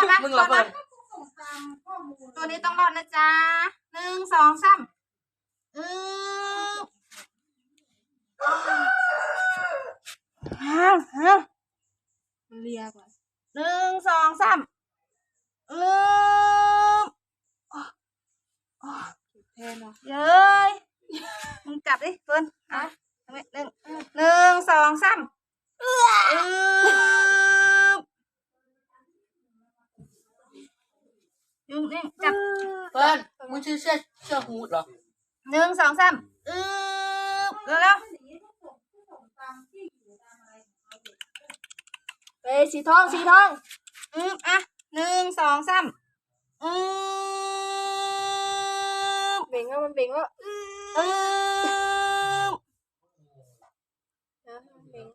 มามึงระเบิดตัวนี้ต้องรอดนะจ๊ะ1 2 3 มันเลียกว่า 1 2 3 แทนเนาะเย้ยมึงจับดิเฟิร์นอ่ะ1 2 3ยุงนี่จับเปิ้ลมึงชื่อเสื้อฮูดเหรอ 1 2 3แล้วเอ้ยสีทองอ่ะ1 2 3 เบ่งแล้วมันเบ่งแล้วเบ่ง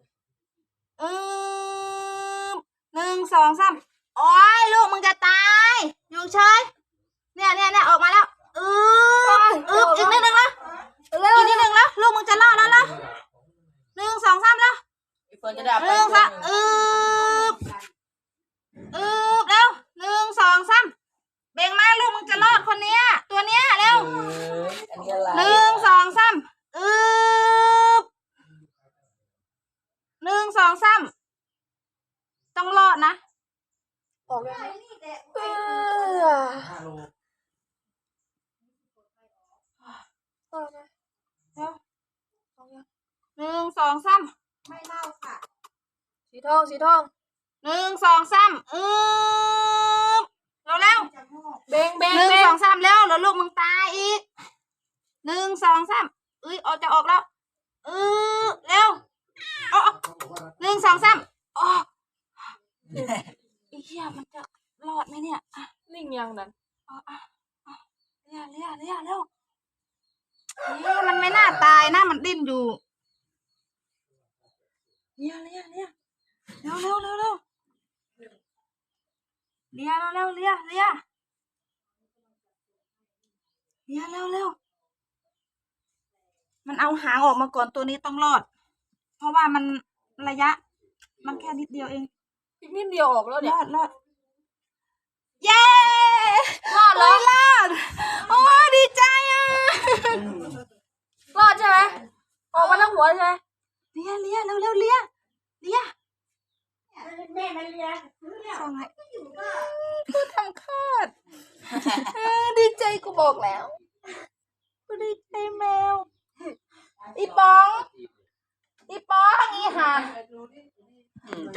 1 2 3โอ้ยลูกมึงจะตายยุงเฉยเนี่ยออกมาแล้วอีกนิดนึงแล้วอีกนิดนึงแล้วลูกมึงจะรอดแล้ว1 2 3แล้วเฟิร์นจะได้ไป 1 2แล้ว1 2 3เบ่งมาลูกมึงจะรอดคนเนี้ยตัวเนี้ยเร็วอันนี้อะไร 1 2 31 2 3ต้องรอดนะออกยังต่อนะ 1 2 3ไม่เล่าค่ะสีทอง 1 2 3เร็วเบ่ง 1 2 3แล้วลูกมึงตายอีก1 2 3ออกจะออกแล้วเร็ว1 2 3เฮียมันจะรอดไหมเนี่ยนิ่งยังนั่นเร็วมันไม่น่าตายนะมันดิ้นอยู่เร็วเมันเอาหางออกมาก่อนตัวนี้ต้องรอดเพราะว่ามันระยะมันแค่นิดเดียวเองอีกนิดเดียวออกแล้วเนี่ยรอดเย้รอดโอ้ยดีใจอ่ะรอดใช่ไหมออกมาทั้งหัวใช่ไหมเลียแม่มันเลียส่งให้คือทำคลอดดีใจกูบอกแล้วกูดีใจแมวอีปองอีห่า